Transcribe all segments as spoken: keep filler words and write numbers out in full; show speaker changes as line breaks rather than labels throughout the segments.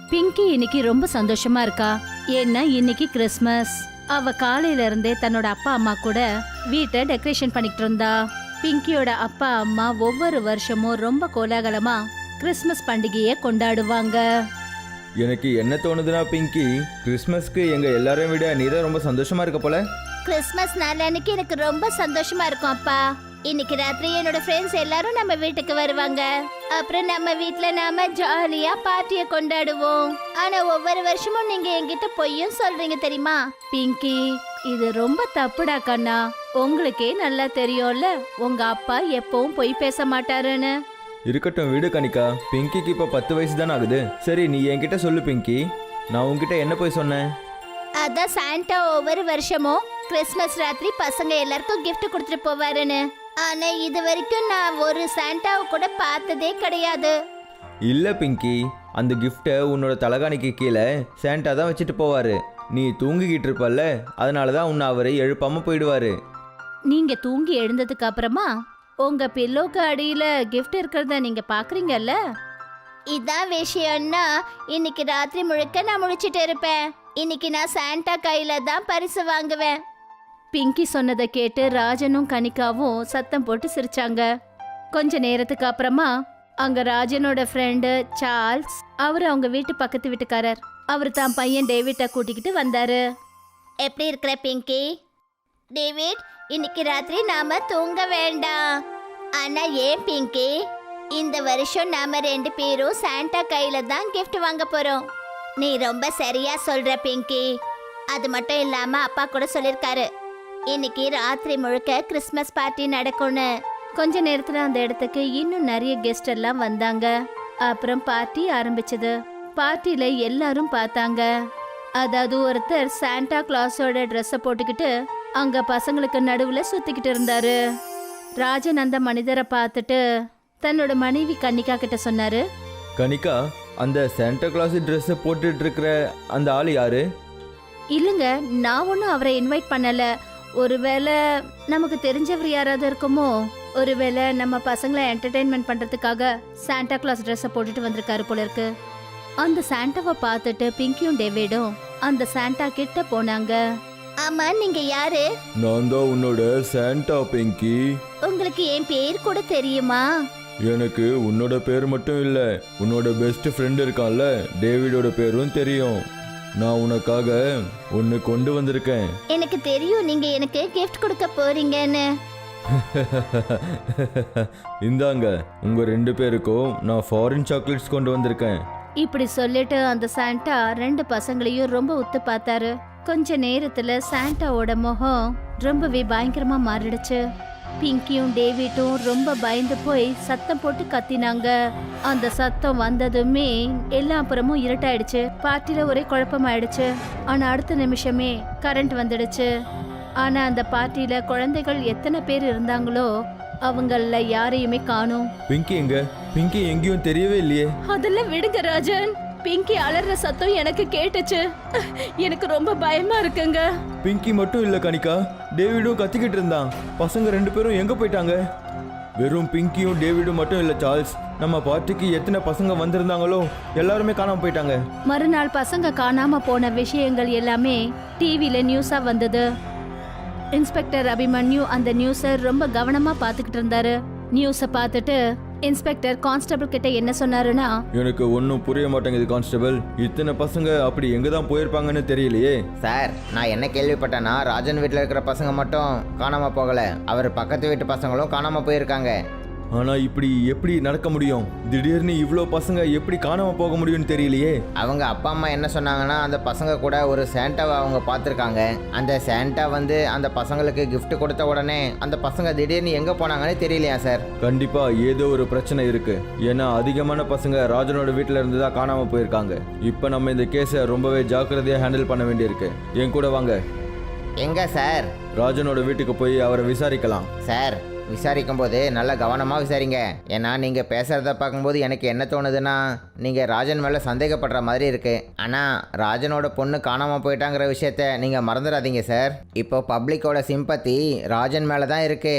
பிங்கி இன்னைக்கு ரொம்ப சந்தோஷமா இருக்கா. ஏன்னா இன்னைக்கு கிறிஸ்மஸ். அவ காலையில இருந்தே தன்னோட அப்பா அம்மா கூட வீட்டை டெக்கரேஷன் பண்ணிட்டு இருந்தா. பிங்கியோட அப்பா அம்மா ஒவ்வொரு வருஷமும் ரொம்ப கோலாகலமா கிறிஸ்மஸ் பண்டிகையை கொண்டாடுவாங்க.
எனக்கு என்ன தோணுதுன்னா பிங்கி, கிறிஸ்மஸ்க்கு எங்க எல்லாரையும் விட நீ தான் ரொம்ப சந்தோஷமா இருக்க போல.
கிறிஸ்மஸ் நாள் அன்னைக்கு எனக்கு ரொம்ப சந்தோஷமா இருக்கும் அப்பா. இன்னைக்கு ராத்திரி என்னோட ஃப்ரெண்ட்ஸ் எல்லாரும் நம்ம வீட்டுக்கு வருவாங்க. அப்புறம் நம்ம வீட்ல நாம ஜாலியா பார்ட்டிய கொண்டாடுவோம். ஆனா ஒவ்வொரு வருஷமும் நீங்க என்கிட்ட பொய்யும் சொல்றீங்க தெரியுமா? பிங்கி, இது ரொம்ப தப்புடா கண்ணா. உங்களுக்கே நல்லா தெரியும்ல உங்க அப்பா எப்பவும் பொய் பேச மாட்டாருன்னு.
இருக்கட்டும் விடு கனிகா, பிங்கிக்கு இப்ப பத்து வயசு தானே ஆகுது. சரி நீ என்கிட்ட சொல்லு பிங்கி, நான் உன்கிட்ட என்ன போய் சொன்னேன்?
அதான் சாண்டா ஒவ்வொரு வருஷமும் கிறிஸ்மஸ் ராத்திரி பசங்க எல்லாருக்கும் கிஃப்ட் கொடுத்துட்டு போவாருன்னு. ஆனா இது வரைக்கும் நான் ஒரு சாண்டாவை கூட பார்த்ததே கிடையாது.
இல்ல பிங்கி, அந்த கிஃப்டை உன்னோட தலகாணிக்கு கீழே சாண்டா தான் வச்சுட்டு போவாரு. நீ தூங்கிக்கிட்டு இருப்பல்ல, அதனாலதான் உன்னை அவரை எழுப்பாம போயிடுவாரு.
நீங்க தூங்கி எழுந்ததுக்கு அப்புறமா உங்க பில்லோக்கு அடியில கிஃப்ட் இருக்கிறத நீங்க பாக்குறீங்கல்ல. இதான் விஷயம்னா இன்னைக்கு ராத்திரி முழுக்க நான் முழிச்சிட்டு இருப்பேன். இன்னைக்கு நான் சாண்டா கையில தான் பரிசு வாங்குவேன். பிங்கி சொன்னதை கேட்டு ராஜனும் கனிகாவும் சத்தம் போட்டு சிரிச்சாங்க. கொஞ்ச நேரத்துக்கு அப்புறமா அங்க ராஜனோட ஃப்ரெண்டு சார்ல்ஸ், அவரு அவங்க வீட்டு பக்கத்து வீட்டுக்காரர், அவர் தான் பையன் டேவிட்டை கூட்டிக்கிட்டு வந்தாரு. எப்படி இருக்கிற பிங்கி? டேவிட், இன்னைக்கு ராத்திரி நாம தூங்க வேண்டாம். ஆனா ஏன் பிங்கி? இந்த வருஷம் நாம ரெண்டு பேரும் சாண்டா கையில தான் கிஃப்ட் வாங்க போறோம். நீ ரொம்ப சரியா சொல்ற பிங்கி. அது மட்டும் இல்லாம அப்பா கூட சொல்லிருக்காரு இன்னைக்கு ராத்திரி முழுக்க கிறிஸ்மஸ் பார்ட்டி நடக்கும்னு. கொஞ்ச நேரத்துல அந்த இடத்துக்கு இன்னும் நிறைய கெஸ்ட் எல்லாம் வந்தாங்க. அப்புறம் பார்ட்டி ஆரம்பிச்சது. பார்ட்டில எல்லாரும் பார்த்தாங்க. அதாவது ஒருத்தர் சாண்டா கிளாஸோட ட்ரெஸ்ஸை போட்டுக்கிட்டு அங்க பசங்களுக்கு நடுவுல சுத்திக்கிட்டு இருந்தாரு. ராஜன் அந்த மனிதரை பார்த்துட்டு தன்னோட மனைவி கனிகா கிட்ட சொன்னாரு,
கனிகா, அந்த சாண்டா கிளாஸ் ட்ரெஸ்ஸை போட்டுட்டு இருக்கிற அந்த ஆள் யாரு?
இல்லைங்க, நான் ஒன்றும் அவரை இன்வைட் பண்ணல. ஒருவேளை நமக்கு தெரிஞ்சவர் யாராவது இருக்குமோ. ஒருவேளை நம்ம பசங்களை என்டர்டெயின்மெண்ட் பண்றதுக்காக சாண்டா கிளாஸ் ட்ரெஸ்ஸை போட்டுட்டு வந்திருக்காரு போல இருக்கு. அந்த சாண்டாவை பார்த்துட்டு பிங்கியும் டேவிடும் அந்த சாண்டா கிட்ட போனாங்க. ஆமா, நீங்க யாரு?
நான் தான் உன்னோட சாண்டா பிங்கி.
உங்களுக்கு என் பேர் கூட தெரியுமா?
எனக்கு உன்னோட பேர் மட்டும் இல்ல, உன்னோட பெஸ்ட் ஃப்ரெண்ட் இருக்கான்ல டேவிடோட பேரும் தெரியும். நான் உனக்காக ஒன்னு கொண்டு வந்திருக்கேன்.
எனக்கு தெரியும் நீங்க எனக்கு கிஃப்ட் கொடுக்க போறீங்கன்னு.
இந்தாங்க, உங்க ரெண்டு பேருக்கும் நான் ஃபாரின் சாக்லேட்ஸ் கொண்டு வந்திருக்கேன்.
இப்படி சொல்லிட்டு அந்த சாண்டா ரெண்டு பசங்களையும் ரொம்ப உத்து பார்த்தாரு. கொஞ்ச நேரத்துல சாண்டாவோட முகம் ரொம்பவே பயங்கரமா மாறிடுச்சு. பிங்கியும் டேவிட்டும் ரொம்ப பயந்து போய் சத்தம் போட்டு கத்தினாங்க. அந்த சத்தம் வந்ததுமே எல்லா புறமும் இருட்டாயிடுச்சு. பார்ட்டில ஒரே குழப்பமாயிடுச்சு. ஆனா அடுத்த நிமிஷமே கரண்ட் வந்துடுச்சு. ஆனா அந்த பார்ட்டில குழந்தைகள் எத்தனை பேர் இருந்தாங்களோ அவங்கள யாரையுமே காணோம்.
பிங்கி எங்க? பிங்கி எங்கேயும் தெரியவே இல்லையே.
அதெல்லாம் விடுங்க ராஜன். பிங்கி அலற சத்தம் எனக்கு கேட்டுச்சு. எனக்கு ரொம்ப பயமா இருக்குங்க.
பிங்கி மட்டும் இல்ல கனிகா, டேவிடும் கத்திக்கிட்டு இருந்தான். பசங்க ரெண்டு பேரும் எங்க போயிட்டாங்க? வெறும் பிங்கியும் டேவிடும் மட்டும் இல்ல சார்ல்ஸ், நம்ம பார்ட்டிக்கு எத்தனை பசங்க வந்திருந்தாங்களோ எல்லாருமே காணாம போயிட்டாங்க.
மறுநாள் பசங்க காணாம போன விஷயங்கள் எல்லாமே டிவில நியூஸா வந்தது. இன்ஸ்பெக்டர் அபிமன்யு அந்த நியூஸை ரொம்ப கவனமா பாத்துக்கிட்டு இருந்தாரு. நியூஸை பார்த்துட்டு இன்ஸ்பெக்டர் கான்ஸ்டபிள் கிட்ட என்ன சொன்னாருன்னா,
எனக்கு ஒன்றும் புரிய மாட்டேங்குது கான்ஸ்டபிள், இத்தனை பசங்க அப்படி எங்க தான் போயிருப்பாங்கன்னு தெரியலையே.
சார், நான் என்ன கேள்விப்பட்டேன்னா ராஜன் வீட்டில் இருக்கிற பசங்க மட்டும் காணாம போகல, அவர் பக்கத்து வீட்டு பசங்களும் காணாம போயிருக்காங்க.
ஆனா இப்படி எப்படி நடக்க முடியும்? திடீர்னு இவ்வளோ பசங்க எப்படி காணாம போக முடியும்னு தெரியலையே.
அவங்க அப்பா அம்மா என்ன சொன்னாங்கன்னா அந்த பசங்க கூட ஒரு சாண்டாவை அவங்க பார்த்துருக்காங்க. அந்த சாண்டா வந்து அந்த பசங்களுக்கு கிஃப்ட் கொடுத்த உடனே அந்த பசங்க திடீர்னு எங்க போனாங்கன்னு தெரியலையா சார்?
கண்டிப்பா ஏதோ ஒரு பிரச்சனை இருக்கு. ஏன்னா அதிகமான பசங்க ராஜனோட வீட்டில இருந்து தான் காணாம போயிருக்காங்க. இப்போ நம்ம இந்த கேஸை ரொம்பவே ஜாக்கிரதையா ஹேண்டில் பண்ண வேண்டியிருக்கு. என் கூட வாங்க.
எங்க சார்?
ராஜனோட வீட்டுக்கு போய் அவரை விசாரிக்கலாம்.
சார், விசாரிக்கும் போது நல்லா கவனமாக விசாரிங்க. ஏன்னா நீங்கள் பேசுகிறத பார்க்கும்போது எனக்கு என்ன தோணுதுன்னா நீங்கள் ராஜன் மேலே சந்தேகப்படுற மாதிரி இருக்குது. ஆனால் ராஜனோட பொண்ணு காணாமல் போயிட்டாங்கிற விஷயத்த நீங்கள் மறந்துடாதீங்க சார். இப்போ பப்ளிக்கோட சிம்பத்தி ராஜன் மேலே தான் இருக்குது.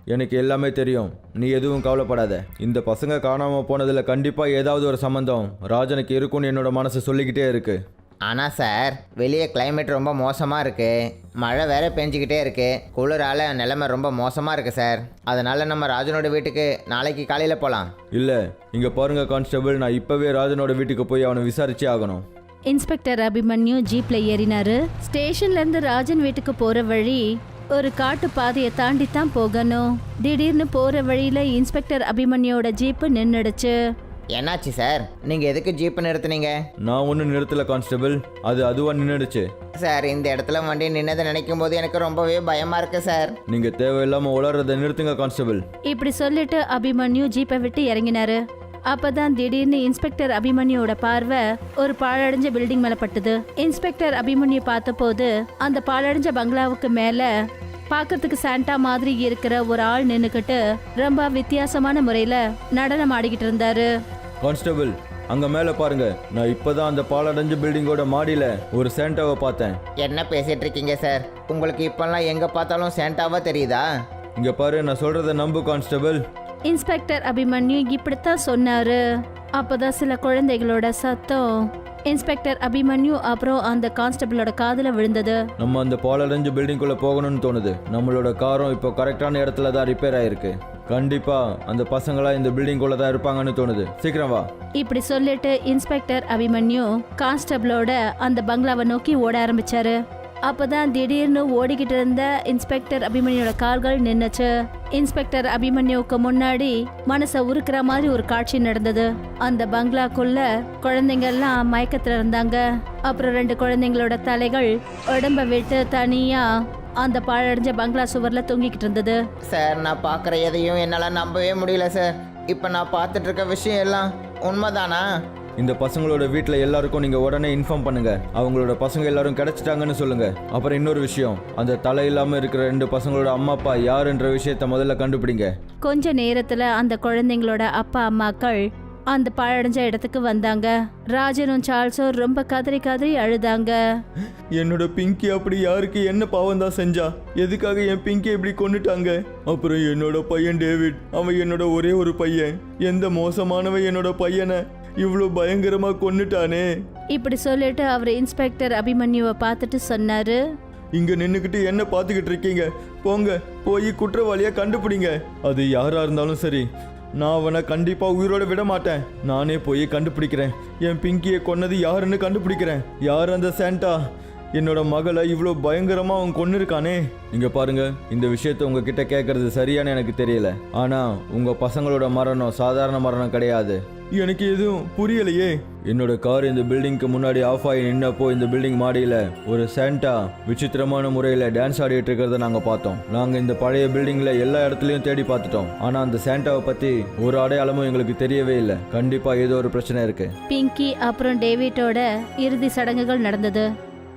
எனக்கு எல்லாமே தெரியும், நீ எதுவும் கவலைப்படாத. இந்த பசங்க காணாமல் போனதில் கண்டிப்பாக ஏதாவது ஒரு சம்மந்தம் ராஜனுக்கு இருக்கும்னு என்னோட மனசு சொல்லிக்கிட்டே இருக்கு.
ஆனால் சார், வெளியே கிளைமேட் ரொம்ப மோசமாக இருக்குது, மழை வேற பெஞ்சிக்கிட்டே இருக்குது, குளிரால் நிலைமை ரொம்ப மோசமாக இருக்குது சார். அதனால் நம்ம ராஜனோட வீட்டுக்கு நாளைக்கு காலையில் போகலாம்.
இல்லை, இங்கே பாருங்க கான்ஸ்டபிள், நான் இப்போவே ராஜனோட வீட்டுக்கு போய் அவனை விசாரிச்சே ஆகணும்.
இன்ஸ்பெக்டர் அபிமன்யு ஜீப்ல ஏறினாரு. ஸ்டேஷன்ல இருந்து ராஜன் வீட்டுக்கு போற வழி ஒரு காட்டு பாதையை தாண்டி தான் போகணும். திடீர்னு போற வழியில இன்ஸ்பெக்டர் அபிமன்யோட ஜீப்பு நின்னுடுச்சு.
என்னாச்சு சார், நீங்கள் எதுக்கு ஜீப்பு நிறுத்துனீங்க?
நான் ஒன்றும் நிறுத்தலை கான்ஸ்டபிள், அது அதுவாக நின்றுடுச்சு.
சார், இந்த இடத்துல வண்டி நின்னதை நினைக்கும் போது எனக்கு ரொம்பவே பயமாக இருக்கு சார்.
நீங்கள் தேவையில்லாமல் உளறதை நிறுத்துங்க கான்ஸ்டபிள்.
இப்படி சொல்லிட்டு அபிமன்யு ஜீப்பை விட்டு இறங்கினாரு. அப்பதான் திடீர்னு இன்ஸ்பெக்டர் அபிமன்யோட பார்வை ஒரு பாழடைஞ்ச பில்டிங் மேல பட்டுது. இன்ஸ்பெக்டர் அபிமன்யு பார்த்தபோது அந்த பாழடைஞ்ச பங்களாவுக்கு மேல பார்க்கறதுக்கு சாண்டா மாதிரி இருக்கிற ஒரு ஆள் நின்னுக்கிட்டு ரொம்ப வித்தியாசமான முறையில நடனம் ஆடிக்கிட்டு இருந்தாரு.
கான்ஸ்டபிள், அங்கே மேலே பாருங்க, நான் இப்போதான் அந்த பாலடைஞ்ச பில்டிங்கோட மாடியில் ஒரு சேண்டாவை பார்த்தேன்.
என்ன பேசிட்டு இருக்கீங்க சார்? உங்களுக்கு இப்பெல்லாம் எங்கே பார்த்தாலும் சேண்டாவா தெரியுதா?
இங்கே பாரு, நான் சொல்கிறத நம்பு கான்ஸ்டபிள்.
இன்ஸ்பெக்டர் அபிமன்யு இப்படித்தான் சொன்னாரு. அப்பதான் சில குழந்தைகளோட சத்தம் இன்ஸ்பெக்டர் அபிமன்யு அப்புறம் அந்த கான்ஸ்டபிளோட காதுல விழுந்தது.
நம்ம அந்த பாலடைஞ்ச பில்டிங்குள்ளே போகணும்னு தோணுது. நம்மளோட காரும் இப்போ கரெக்டான இடத்துல தான் ரிப்பேர் ஆயிருக்கு. கண்டிப்பா அந்த பசங்களா இந்த பில்டிங்குள்ள தான் இருப்பாங்கன்னு தோணுது. சீக்கிரம் வா.
இப்படி சொல்லிட்டு இன்ஸ்பெக்டர் அபிமன்யு கான்ஸ்டபிளோட அந்த பங்களாவை நோக்கி ஓட ஆரம்பிச்சாரு. அப்பதான் திடீர்னு ஓடிக்கிட்டு இருந்த இன்ஸ்பெக்டர் அபிமன்யோட கால்கள் நின்னுச்சு. இன்ஸ்பெக்டர் அபிமன்யுக்கு முன்னாடி மனசை உருக்குற மாதிரி ஒரு காட்சி நடந்தது. அந்த பங்களாக்குள்ள குழந்தைங்க எல்லாம் மயக்கத்துல இருந்தாங்க. அப்புறம் ரெண்டு குழந்தைங்களோட தலைகள் உடம்ப விட்டு தனியா அந்த பாழடைஞ்ச பங்களா சுவர்ல தொங்கிக்கிட்டு இருந்தது.
சார், நான் பார்க்குற எதையும் என்னால் நம்பவே முடியல சார். இப்போ நான் பார்த்துட்டு இருக்க விஷயம் எல்லாம் உண்மைதானா?
இந்த பசங்களோட வீட்டில் எல்லாருக்கும் நீங்கள் உடனே இன்ஃபார்ம் பண்ணுங்க. அவங்களோட பசங்க எல்லாரும் கிடைச்சிட்டாங்கன்னு சொல்லுங்க. அப்புறம் இன்னொரு விஷயம், அந்த தலை இல்லாமல் இருக்கிற ரெண்டு பசங்களோட அம்மா அப்பா யாருன்ற விஷயத்த முதல்ல கண்டுபிடிங்க.
கொஞ்ச நேரத்துல அந்த குழந்தைங்களோட அப்பா அம்மாக்கள் அந்த பாழடைஞ்ச இடத்துக்கு வந்தாங்க. ராஜனும் சார்ல்ஸும் ரொம்ப கதறி கதறி அழுதாங்க.
என்னோட பிங்கி அப்படி யாருக்கு என்ன பாவம் தான் செஞ்சா? எதுக்காக என் பிங்கி இப்படி கொண்டுட்டாங்க? அப்புறம் என்னோட பையன் டேவிட், அவன் என்னோட ஒரே ஒரு பையன். எந்த மோசமானவன் என்னோட பையனை இவ்வளோ பயங்கரமா கொன்னுட்டானே.
இப்படி சொல்லிட்டு அவர் இன்ஸ்பெக்டர் அபிமன்யுவை பார்த்துட்டு சொன்னாரு,
இங்க நின்னுக்கிட்டு என்ன பார்த்துக்கிட்டு இருக்கீங்க? போங்க, போய் குற்றவாளியை கண்டுபிடிங்க. அது யாரா இருந்தாலும் சரி, நான் அவனை கண்டிப்பா உயிரோட விட மாட்டேன். நானே போய் கண்டுபிடிக்கிறேன். என் பிங்கியை கொன்னது யாருன்னு கண்டுபிடிக்கிறேன். யார் அந்த சாண்டா? என்னோட மகளை இவ்வளோ பயங்கரமா அவன் கொன்னு இருக்கானே. இங்க பாருங்க, இந்த விஷயத்த உங்ககிட்ட கேட்கறது சரியானு எனக்கு தெரியல. ஆனா உங்க பசங்களோட மரணம் சாதாரண மரணம் கிடையாது. எனக்கு எதுவும் புரியலையே. என்னோட கார் இந்த பில்டிங்க்கு முன்னாடி ஆஃப் ஆகி நின்னப்போ இந்த பில்டிங் மாடியில் ஒரு சாண்டா விசித்திரமான முறையில் டான்ஸ் ஆடிட்டு இருக்கிறத நாங்கள் பார்த்தோம். நாங்கள் இந்த பழைய பில்டிங்கில் எல்லா இடத்துலையும் தேடி பார்த்துட்டோம். ஆனால் அந்த சாண்டாவை பற்றி ஒரு அடையாளமும் எங்களுக்கு தெரியவே இல்லை. கண்டிப்பாக ஏதோ ஒரு பிரச்சனை இருக்கு.
பிங்கி அப்புறம் டேவிட்டோட இறுதி சடங்குகள் நடந்தது.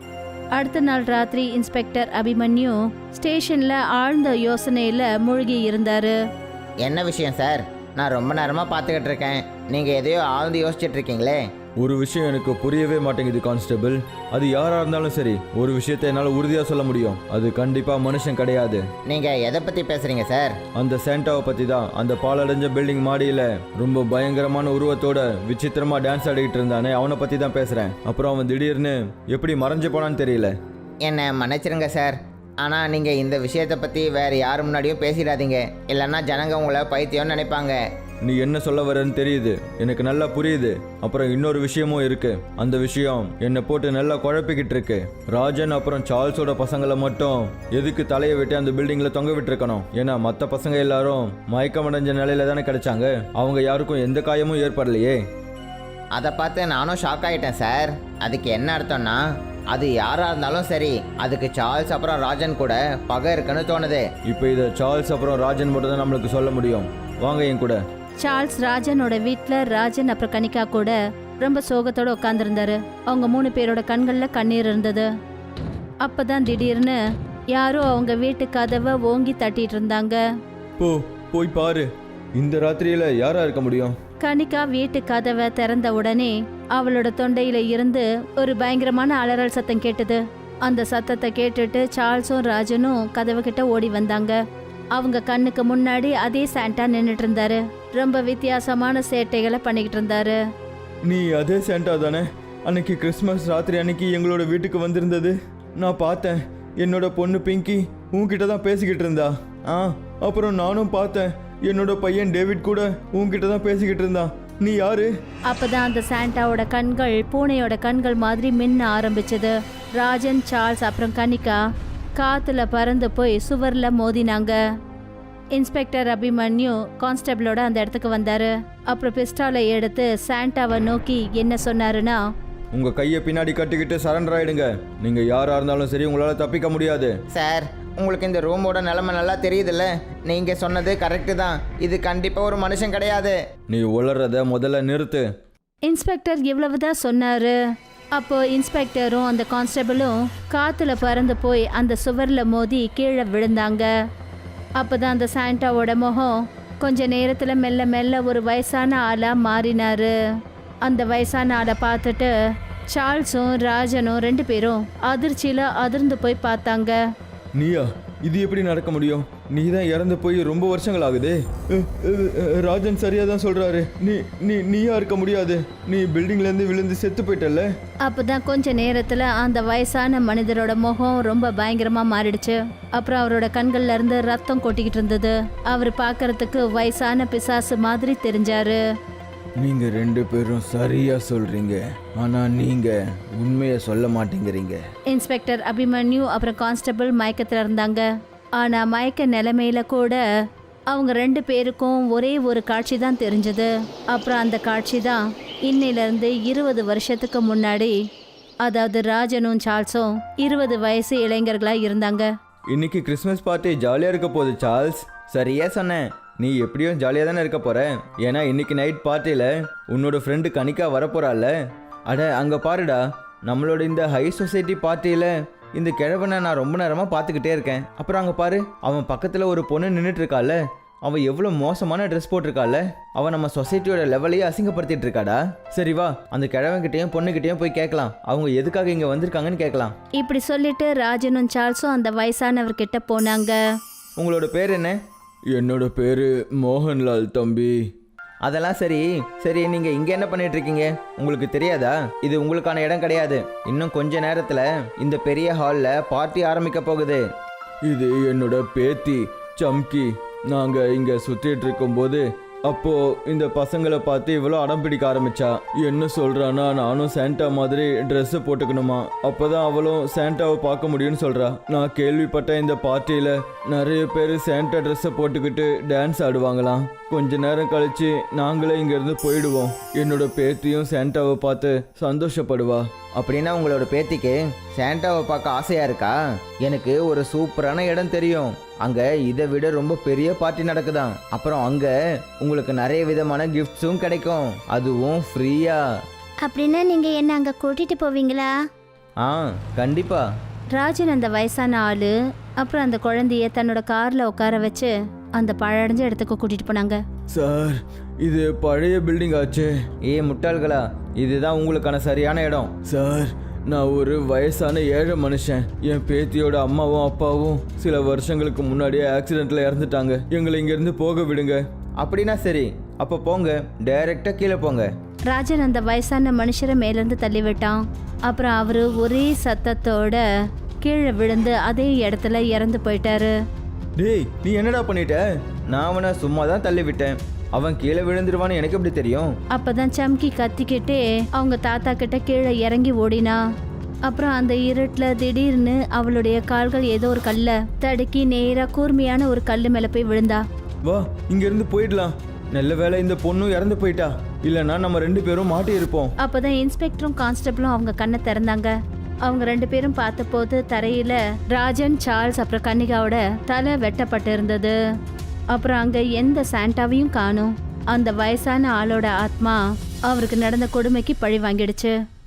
அடுத்த நாள் ராத்திரி இன்ஸ்பெக்டர் அபிமன்யு ஸ்டேஷன்ல ஆழ்ந்த யோசனையில மூழ்கி இருந்தாரு.
என்ன விஷயம் சார்? நான் ரொம்ப நேரமாக பார்த்துக்கிட்டு இருக்கேன். நீங்கள் எதையோ ஆழ்ந்து யோசிச்சுட்டு இருக்கீங்களே.
ஒரு விஷயம் எனக்கு புரியவே மாட்டேங்குது கான்ஸ்டபிள். அது யாராக இருந்தாலும் சரி, ஒரு விஷயத்தை என்னால் உறுதியாக சொல்ல முடியும். அது கண்டிப்பாக மனுஷன் கிடையாது.
நீங்கள் எதை பற்றி பேசுகிறீங்க சார்?
அந்த சாண்டாவை பற்றி தான். அந்த பாலடைஞ்ச பில்டிங் மாடியில் ரொம்ப பயங்கரமான உருவத்தோட விசித்திரமாக டான்ஸ் ஆடிக்கிட்டு இருந்தானே, அவனை பற்றி தான் பேசுகிறேன். அப்புறம் அவன் திடீர்னு எப்படி மறைஞ்சு போனான்னு தெரியல.
என்னை மன்னிச்சிருங்க சார். ஆனால் நீங்கள் இந்த விஷயத்தை பற்றி வேறு யார் முன்னாடியும் பேசிடாதீங்க. இல்லைன்னா ஜனங்க உங்களை பைத்தியம்னு நினைப்பாங்க.
நீ என்ன சொல்ல வரன்னு தெரியுது, எனக்கு நல்லா புரியுது. அப்புறம் இன்னொரு விஷயமும் இருக்கு. அந்த விஷயம் என்னை போட்டு நல்லா குழப்பிக்கிட்டு இருக்கு. ராஜன் அப்புறம் சார்ல்ஸோட பசங்களை மட்டும் எதுக்கு தலையை வெட்டி அந்த பில்டிங்ல தொங்க விட்டுருக்கணும்? ஏன்னா மற்ற பசங்க எல்லாரும் மயக்கமடைஞ்ச நிலையில தானே கிடைச்சாங்க. அவங்க யாருக்கும் எந்த காயமும் ஏற்படலையே.
அதை பார்த்து நானும் ஷாக் ஆகிட்டேன் சார். அதுக்கு என்ன அர்த்தம்னா, அது யாராக இருந்தாலும் சரி, அதுக்கு சார்ல்ஸ் அப்புறம் ராஜன் கூட பகை இருக்குன்னு தோணுது.
இப்போ இதை சார்ல்ஸ் அப்புறம் ராஜன் மட்டும் தான் நம்மளுக்கு சொல்ல முடியும். வாங்க என் கூட.
சார்ல்ஸ் ராஜனோட வீட்டில் ராஜன் அப்புறம் கனிகா கூட ரொம்ப சோகத்தோட உட்காந்துருந்தாரு. அவங்க மூணு பேரோட கண்களில் கண்ணீர் இருந்தது. அப்பதான் திடீர்னு யாரோ அவங்க வீட்டு கதவை ஓங்கி தட்டிட்டு இருந்தாங்க.
போ போய் பாரு. இந்த ராத்திரியில யாரா இருக்க முடியும்?
கனிகா வீட்டு கதவை திறந்த உடனே அவளோட தொண்டையில இருந்து ஒரு பயங்கரமான அலறல் சத்தம் கேட்டது. அந்த சத்தத்தை கேட்டுட்டு சார்ல்ஸும் ராஜனும் கதவு கிட்ட ஓடி வந்தாங்க. அவங்க கண்ணுக்கு முன்னாடி அதே சாண்டா நின்னுட்டு இருந்தாரு. ரொம்ப வித்தியாசமான சேட்டைகளை பண்ணிக்கிட்டு இருந்தாரு.
நீ அதே சாண்டா தானே அன்னைக்கு கிறிஸ்மஸ் ராத்திரி அன்னைக்கு எங்களோட வீட்டுக்கு வந்திருந்தது? நான் பார்த்தேன், என்னோட பொண்ணு பிங்கி உன்கிட்ட தான் பேசிக்கிட்டு இருந்தா. ஆ அப்புறம் நானும் பார்த்தேன், என்னோட பையன் டேவிட் கூட உன்கிட்ட தான் பேசிக்கிட்டு இருந்தான். நீ யாரு?
அப்பதான் அந்த சாண்டாவோட கண்கள் பூனையோட கண்கள் மாதிரி மின்ன ஆரம்பிச்சது. ராஜன், சார்ல்ஸ் அப்புறம் கனிகா காத்துல பறந்து போய் சுவர்ல மோதினாங்க. இன்ஸ்பெக்டர் அபிமன்யு கான்ஸ்டபிளோட அந்த இடத்துக்கு வந்தாரு. அப்புறம் பிஸ்டாலை எடுத்து சாண்டாவை நோக்கி என்ன சொன்னாருன்னா,
உங்க கையை பின்னாடி கட்டிக்கிட்டு சரண்டர் ஆயிடுங்க. நீங்க யாரா இருந்தாலும் சரி, உங்களால தப்பிக்க முடியாது.
சார், உங்களுக்கு இந்த ரூமோட நிலைமை நல்லா தெரியுதுல்ல. நீங்கள் சொன்னது கரெக்டு தான். இது கண்டிப்பாக ஒரு மனுஷன் கிடையாது.
நீ உளறத முதல்ல நிறுத்து.
இன்ஸ்பெக்டர் இவ்வளவுதான் சொன்னாரு. அப்போ இன்ஸ்பெக்டரும் அந்த கான்ஸ்டபிளும் காத்துல பறந்து போய் அந்த சுவர்ல மோதி கீழே விழுந்தாங்க. அப்பதான் அந்த சாண்டாவோட முகம் கொஞ்ச நேரத்துல மெல்ல மெல்ல ஒரு வயசான ஆளா மாறினாரு. அந்த வயசான ஆளை பார்த்துட்டு சார்ல்ஸும் ராஜனும் ரெண்டு பேரும் அதிர்ச்சியில அதிர்ந்து போய் பார்த்தாங்க.
நீயா? இது எப்படி நடக்க முடியும்? நீ தான் இறந்து போய் ரொம்ப வருஷங்கள் ஆகுது. அஹ், அஹ், அஹ், ராஜன் சரியா தான் சொல்றாரு. நீ நீ நீயா இருக்க முடியாது. நீ பில்டிங்ல இருந்து விழுந்து செத்து போயிட்டல்ல.
அப்பதான் கொஞ்ச நேரத்துல அந்த வயசான மனிதரோட முகம் ரொம்ப பயங்கரமா மாறிடுச்சு. அப்புறம் அவரோட கண்கள்ல இருந்து ரத்தம் கொட்டிக்கிட்டு இருந்தது. அவர் பார்க்கறதுக்கு வயசான பிசாசு மாதிரி தெரிஞ்சாரு.
நீங்க ரெண்டு பேரும் சரியா சொல்றீங்க, ஆனா நீங்க உண்மையை சொல்ல மாட்டேங்கிறீங்க.
இன்ஸ்பெக்டர் அபிமன்யு அப்புறம் கான்ஸ்டபிள் மயக்கத்துல இருந்தாங்க. ஆனா மயக்க நிலைமையில கூட அவங்க ரெண்டு பேருக்கும் ஒரே ஒரு காட்சி தான் தெரிஞ்சது. அப்புறம் அந்த காட்சி தான் இன்னையில இருந்து இருபது வருஷத்துக்கு முன்னாடி, அதாவது ராஜனும் சார்ல்ஸும் இருபது வயசு இளைஞர்களா இருந்தாங்க.
இன்னைக்கு கிறிஸ்மஸ் பார்ட்டி ஜாலியா இருக்க போகுது சார்ல்ஸ்.
சரியா சொன்னேன்.
நீ எப்படியும் ஜாலியாக தானே இருக்க போற. ஏன்னா இன்னைக்கு நைட் பார்ட்டியில் உன்னோட ஃப்ரெண்டு கனிக்கா வரப்போறாள். அட அங்கே பாருடா, நம்மளோட இந்த ஹை சொசைட்டி பார்ட்டியில் இந்த கிழவனை நான் ரொம்ப நேரமாக பார்த்துக்கிட்டே இருக்கேன். அப்புறம் அங்கே பாரு, அவன் பக்கத்தில் ஒரு பொண்ணு நின்றுட்டு இருக்காள். அவன் எவ்வளோ மோசமான ட்ரெஸ் போட்டிருக்காள். அவன் நம்ம சொசைட்டியோட லெவலையே அசிங்கப்படுத்திட்டு இருக்காடா. சரி வா, அந்த கிழவன்கிட்டையும் பொண்ணுகிட்டையும் போய் கேட்கலாம், அவங்க எதுக்காக இங்கே வந்திருக்காங்கன்னு கேட்கலாம்.
இப்படி சொல்லிட்டு ராஜனும் சார்ல்ஸும் அந்த வயசானவர்கிட்ட போனாங்க.
உங்களோட பேர் என்ன? என்னோட பேர் மோகன்லால் தம்பி.
அதெல்லாம் சரி சரி நீங்கள் இங்கே என்ன பண்ணிட்டு இருக்கீங்க? உங்களுக்கு தெரியாதா இது உங்களுக்கான இடம் கிடையாது. இன்னும் கொஞ்ச நேரத்தில் இந்த பெரிய ஹாலில் பார்ட்டி ஆரம்பிக்க போகுது.
இது என்னோட பேத்தி சம்கி. நாங்கள் இங்கே சுற்றிட்டு இருக்கும்போது அப்போ இந்த பசங்களை பார்த்து இவ்வளோ அடம் பிடிக்க ஆரம்பிச்சா. என்ன சொல்றானா, நானும் சாண்டா மாதிரி ட்ரெஸ்ஸை போட்டுக்கணுமா, அப்போதான் அவளும் சாண்டாவை பார்க்க முடியும்னு சொல்றா. நான் கேள்விப்பட்ட இந்த பார்ட்டியில் நிறைய பேர் சாண்டா ட்ரெஸ்ஸை போட்டுக்கிட்டு டான்ஸ் ஆடுவாங்களாம். கொஞ்ச நேரம் கழிச்சு நாங்களே இங்கேருந்து போயிடுவோம். என்னோட பேத்தியும் சாண்டாவை பார்த்து சந்தோஷப்படுவா.
அப்படின்னா உங்களோட பேத்திக்கு சாண்டாவை பார்க்க ஆசையா இருக்கா? எனக்கு ஒரு சூப்பரான இடம் தெரியும். அங்கே இதை விட ரொம்ப பெரிய பார்ட்டி நடக்குதாம். அப்புறம் அங்கே உங்களுக்கு நிறைய விதமான கிஃப்ட்ஸும் கிடைக்கும், அதுவும் ஃப்ரீயா.
அப்படின்னா நீங்க என்ன அங்க கூட்டிட்டு போவீங்களா?
ஆ கண்டிப்பா.
ராஜன் அந்த வயசான ஆளு அப்புறம் அந்த குழந்தைய தன்னோட கார்ல உட்கார வச்சு அந்த பழடைஞ்ச இடத்துக்கு கூட்டிட்டு போனாங்க.
சார், இது பழைய பில்டிங் ஆச்சு.
ஏ முட்டாள்களா, இதுதான் உங்களுக்கான சரியான இடம்.
சார், நான் ஒரு வயசான ஏழை மனுஷன். என் பேத்தியோட அம்மாவும் அப்பாவும் சில வருஷங்களுக்கு முன்னாடியே ஆக்சிடென்ட்ல இறந்துட்டாங்க. எங்களை இங்கேருந்து போக விடுங்க.
அப்படின்னா சரி, அப்போ போங்க, டைரக்டா கீழே போங்க.
ராஜன் அந்த வயசான மனுஷரை மேலேருந்து தள்ளி விட்டான். அப்புறம் அவரு ஒரே சத்தத்தோட கீழே விழுந்து அதே இடத்துல இறந்து போயிட்டாரு.
டேய், நீ என்னடா பண்ணிட்ட?
நான் அவனை சும்மா தான் தள்ளி விட்டேன். அவன் கீழே விழுந்துருவான்னு எனக்கு எப்படி தெரியும்?
அப்பதான் சம்கி கத்திக்கிட்டே அவங்க தாத்தா கிட்ட கீழே இறங்கி ஓடினா. அப்புறம் அந்த இருட்டுல திடீர்னு அவளுடைய கால்கள் ஏதோ ஒரு கல்ல தடுக்கி நேரா கூர்மையான ஒரு கல்லு மேல போய் விழுந்தா.
வா, இங்க இருந்து போயிடலாம். நல்ல வேளை இந்த பொண்ணும் இறந்து போயிட்டா, இல்லைன்னா நம்ம ரெண்டு பேரும் மாட்டி இருப்போம்.
அப்பதான் இன்ஸ்பெக்டரும் கான்ஸ்டபிளும் அவங்க கண்ணை திறந்தாங்க. அவங்க ரெண்டு பேரும் பார்த்தபோது தரையில ராஜன், சார்ல்ஸ் அப்புறம் கன்னிகாவோட தலை வெட்டப்பட்டு இருந்தது. அப்புறம் அங்க எந்த சாண்டாவையும் காணும். அந்த வயசான ஆளோட ஆத்மா அவருக்கு நடந்த கொடுமைக்கு பழி வாங்கிடுச்சு.